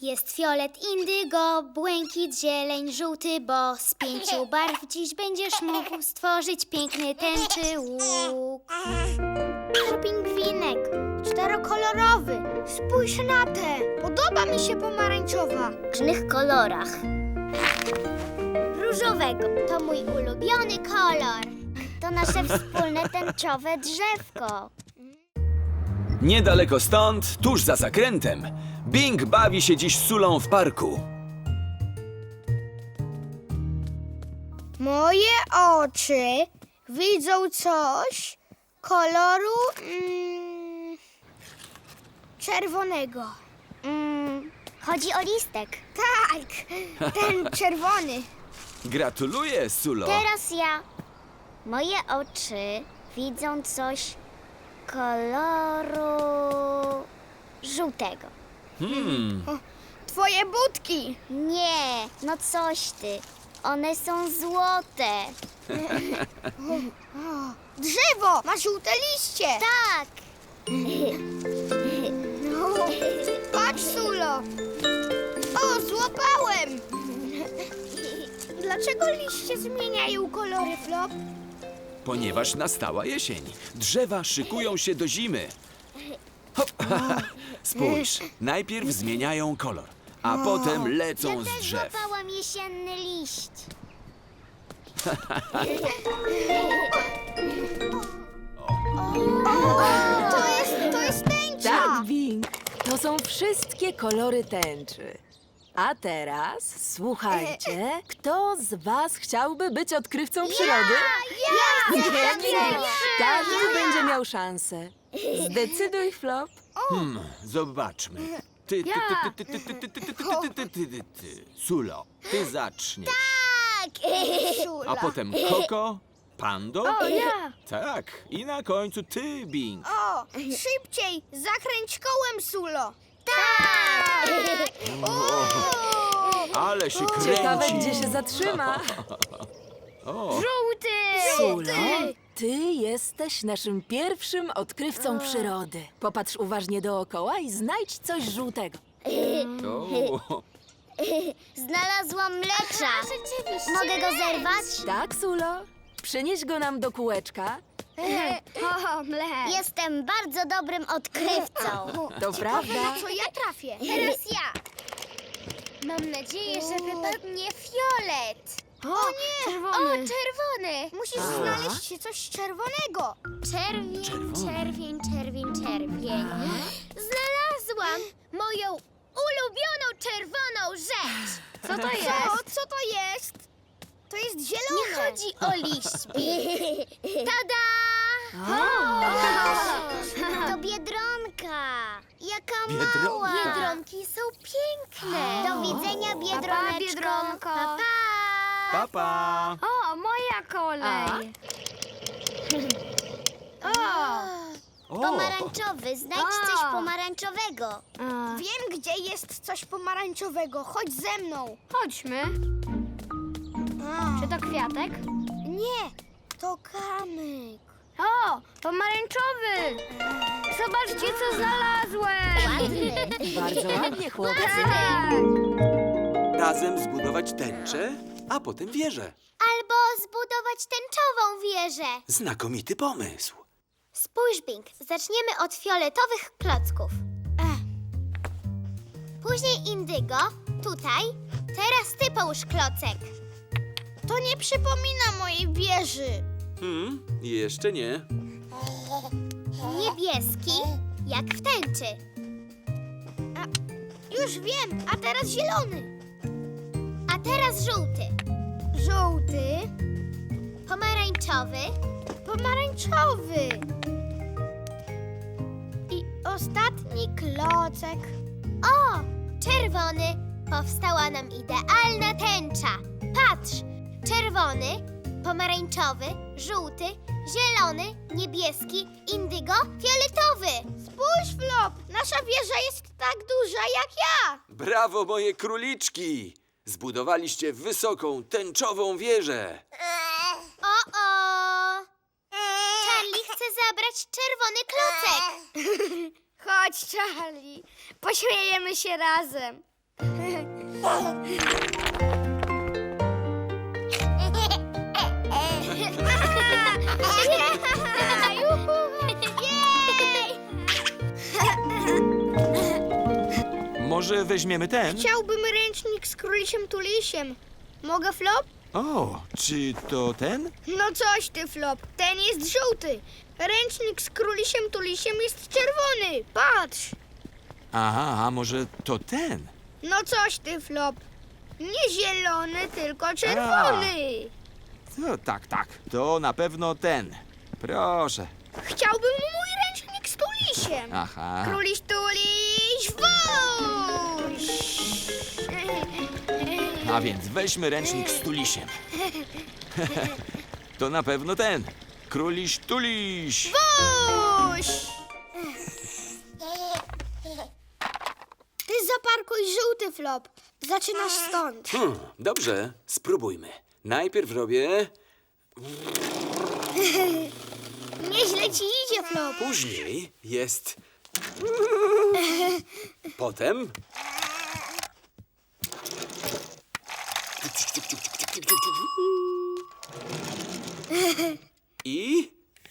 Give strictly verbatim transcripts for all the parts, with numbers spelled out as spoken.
Jest fiolet, indygo, błękit, zieleń, żółty, bo z pięciu barw dziś będziesz mógł stworzyć piękny tęczy łuk. To pingwinek, czterokolorowy. Spójrz na tę. Podoba mi się pomarańczowa. W różnych kolorach. Różowego. To mój ulubiony kolor. To nasze wspólne tęczowe drzewko. Niedaleko stąd, tuż za zakrętem, Bing bawi się dziś z Sulą w parku. Moje oczy widzą coś koloru mm, czerwonego. Mm, chodzi o listek. Tak, ten czerwony. Gratuluję, Sulo. Teraz ja. Moje oczy widzą coś koloru żółtego. Hmm, Twoje budki. Nie, no coś ty. One są złote. Drzewo ma żółte liście. Tak. No. Patrz, Sulo. O, złapałem. Dlaczego liście zmieniają kolory, Flop? ponieważ nastała jesień. Drzewa szykują się do zimy. Hop. Spójrz, najpierw zmieniają kolor, a potem lecą Ja z też drzew. złapałam jesienny liść. To jest, to jest tęcza. Tak, Bing. To są wszystkie kolory tęczy. A teraz słuchajcie, kto z was chciałby być odkrywcą przyrody? Ja, Nie, ja, nie, ja, nie. ja. Każdy będzie miał szansę. Zdecyduj, Flop. Hmm, zobaczmy. Ty, ty, ty, ty, ty, ty, ty, ty, ty, ty, ty, ty, ty, ty, ty, ty. Sulo, ty zaczniesz. Tak. Sula. A potem Koko, Pando. O, ja. Tak, i na końcu ty, Bing. O, szybciej, zakręć kołem, Sulo. Tak. Ale się Ciekawe, kręci. gdzie się zatrzyma. O, Żółty. Sulo, ty jesteś naszym pierwszym odkrywcą przyrody. Popatrz uważnie dookoła i znajdź coś żółtego. o. Znalazłam mlecza. Rzeczywiście. Mogę go zerwać? Tak, Sulo? Przynieś go nam do kółeczka. O, mlek. Jestem bardzo dobrym odkrywcą. To prawda. Co ja trafię? Teraz ja. Mam nadzieję, że wypadnie fiolet. O, nie. Czerwony. O, czerwony. Musisz Aha. znaleźć coś czerwonego. Czerwień, Czerwony. czerwień, czerwień, czerwień. Znalazłam moją ulubioną czerwoną rzecz. Co to jest? Co, co to jest? To jest zielone. Nie chodzi o liść. Tada! To biedronka. Jaka Biedronka. mała. Biedronki są piękne. Do widzenia, biedroneczko. Biedronko. Pa, pa. Papa. O, moja kolej. O. O, Pomarańczowy, znajdź A. coś pomarańczowego. Wiem, gdzie jest coś pomarańczowego. Chodź ze mną. Chodźmy. Czy to kwiatek? Nie, to kamyk. O, pomarańczowy. Zobaczcie, co znalazłem. Ładny. Bardzo ładnie, chłopcy. razem zbudować tęczę, a potem wieżę. Albo zbudować tęczową wieżę. Znakomity pomysł. Spójrz, Bing, zaczniemy od fioletowych klocków. Później indygo, tutaj. Teraz ty połóż klocek. To nie przypomina mojej wieży. Hmm, jeszcze nie. Niebieski, jak w tęczy. Już wiem, a teraz zielony. A teraz żółty, Żółty, pomarańczowy, pomarańczowy. I ostatni klocek. o, czerwony. Powstała nam idealna tęcza. Patrz, czerwony, pomarańczowy, żółty, zielony, niebieski, indygo, fioletowy. Spójrz, Flop, nasza wieża jest tak duża jak ja. Brawo, moje króliczki! Zbudowaliście wysoką, tęczową wieżę. O-o! Charlie chce zabrać czerwony klocek. Chodź, Charlie, pośmiejemy się razem. Może weźmiemy ten? Chciałbym ręcznik z królisiem tulisiem. Mogę, Flop? O, czy to ten? No coś ty, Flop. Ten jest żółty. Ręcznik z królisiem tulisiem jest czerwony. Patrz. Aha, a może to ten? No coś ty, Flop. Nie zielony, tylko czerwony. No, tak, tak. To na pewno ten. Proszę. Chciałbym mój ręcznik z tulisiem. Aha. Króliś tuliś, wuś! A więc weźmy ręcznik z tulisiem. To na pewno ten. Króliś tuliś. Wuś! Ty zaparkuj żółty, Flop. Zaczynasz stąd. Hmm, dobrze, spróbujmy. Najpierw robię, Nieźle ci idzie, Flop. później jest... Potem... I...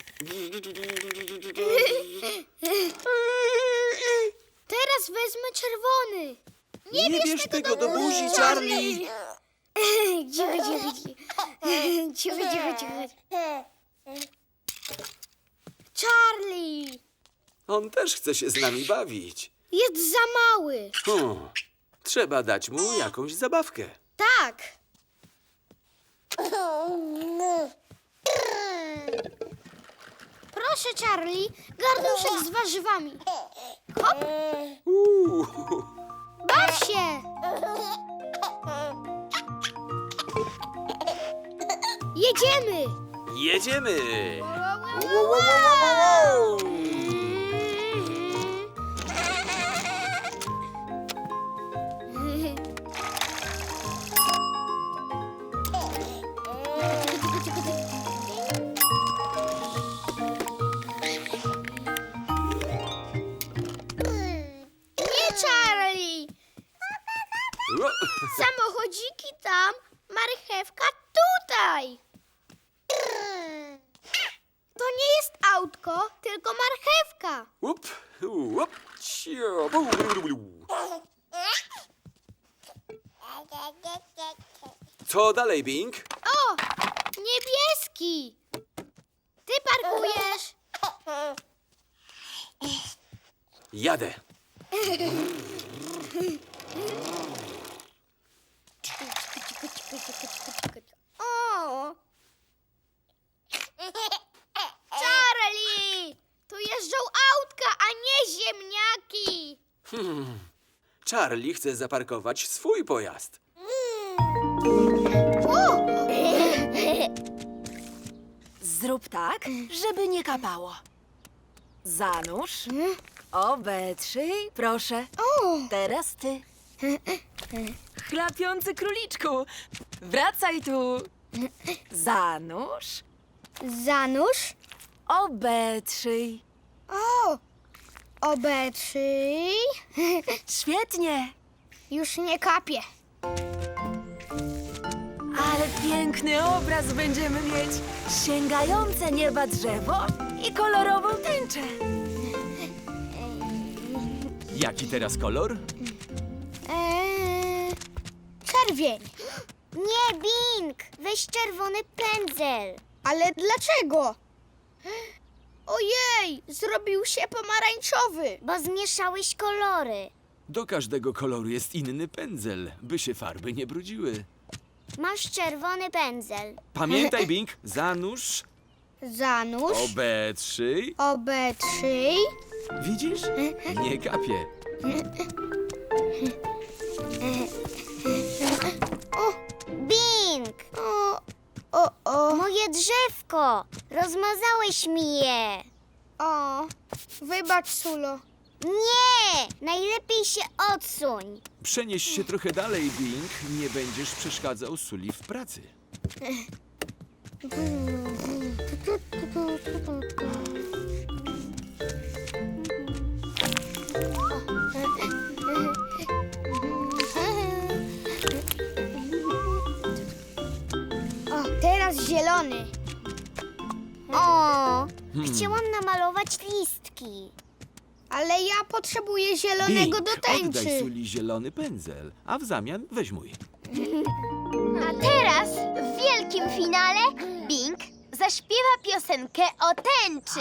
Teraz wezmę czerwony. Nie bierz tego do buzi, Charlie! Cicho, cicho, cicho. Cicho, cicho, cicho. Charlie! On też chce się z nami bawić. Jest za mały. Hmm, trzeba dać mu jakąś zabawkę. Tak. Proszę, Charlie, garnuszek z warzywami. Hop, Uuu, baw się. Jedziemy. jedziemy! Nie, Charlie. Samochodziki tam, marchewka tutaj. To nie jest autko, tylko marchewka. Łup, łup, cio, bu, bu, bu, bu. Co dalej, Bing? O, niebieski. Ty parkujesz. Jadę. O. Charlie, tu jeżdżą autka, a nie ziemniaki. Hmm. Charlie chce zaparkować swój pojazd. O. Zrób tak, żeby nie kapało. Zanurz, obetrzyj, proszę. O. Teraz ty. Chlapiący króliczku, wracaj tu. Zanurz, Zanurz. obetrzyj. O, obetrzyj. Świetnie, Już nie kapie. ale piękny obraz będziemy mieć. Sięgające nieba drzewo i kolorową tęczę. Jaki teraz kolor? Eee, czerwień. Nie, Bing! Weź czerwony pędzel. Ale dlaczego? Ojej, zrobił się pomarańczowy. Bo zmieszałeś kolory. Do każdego koloru jest inny pędzel, by się farby nie brudziły. Masz czerwony pędzel. Pamiętaj, Bing, zanurz, Zanurz, obetrzyj. obetrzyj. Widzisz? Nie kapie. Bing! O, o, o, Moje drzewko! Rozmazałeś mi je. o. Wybacz, Sulo. Nie! Najlepiej się odsuń. Przenieś się trochę dalej, Bing. Nie będziesz przeszkadzał Suli w pracy. zielony. O, chciałam namalować listki. Ale ja potrzebuję zielonego do oddaj tęczy. Suli zielony pędzel, a w zamian weź mój. A teraz w wielkim finale Bing zaśpiewa piosenkę o tęczy.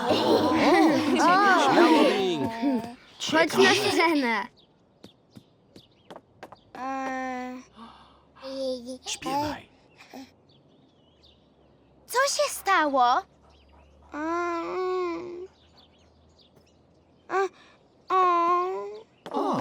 Śmiało, Bing! Chodź na scenę. Eee, Śpiewaj. Co się stało? mm, a, o.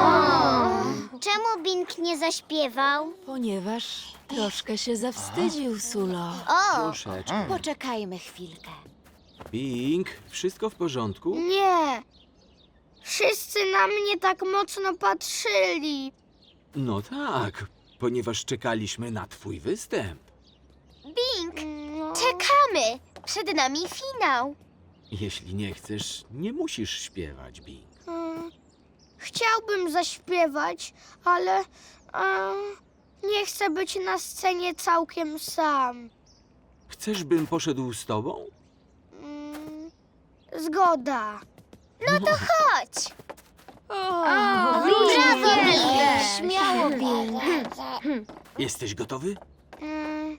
Czemu Bing nie zaśpiewał? Ponieważ troszkę się zawstydził, Sulo. O, Troszeczkę. poczekajmy chwilkę. Bing, wszystko w porządku? Nie. Wszyscy na mnie tak mocno patrzyli. No tak, ponieważ czekaliśmy na twój występ. Bing, No. czekamy. Przed nami finał. Jeśli nie chcesz, nie musisz śpiewać, Bing. Mm, Chciałbym zaśpiewać, ale e, nie chcę być na scenie całkiem sam. Chcesz, bym poszedł z tobą? Mm, Zgoda. Chodź. Brawo, Śmiało, Bing. Jesteś gotowy? Mm,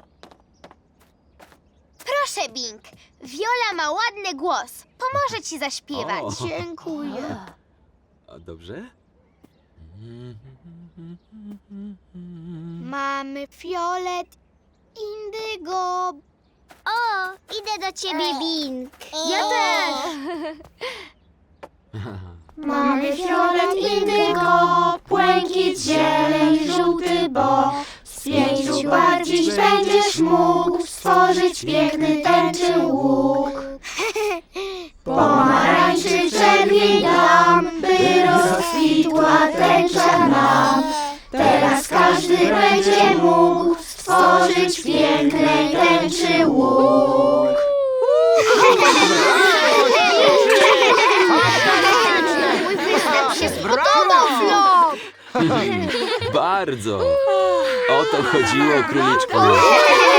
Proszę, Bing. Viola ma ładny głos. Pomoże ci zaśpiewać. O. Dziękuję. A dobrze? Mamy fiolet, indygo. O, idę do ciebie, Bing. Ja też. Mamy fiolet, indygo, błękit, zieleń, żółty, bo z pięciu barw dziś będziesz mógł stworzyć piękny tęczy łuk. Pomarańczy, czerwień dam, by rozkwitła tęcza nam. Teraz każdy będzie mógł stworzyć piękny tęczy łuk. Mój występ się spodobał, Flop. Bardzo. O to chodziło, króliczku.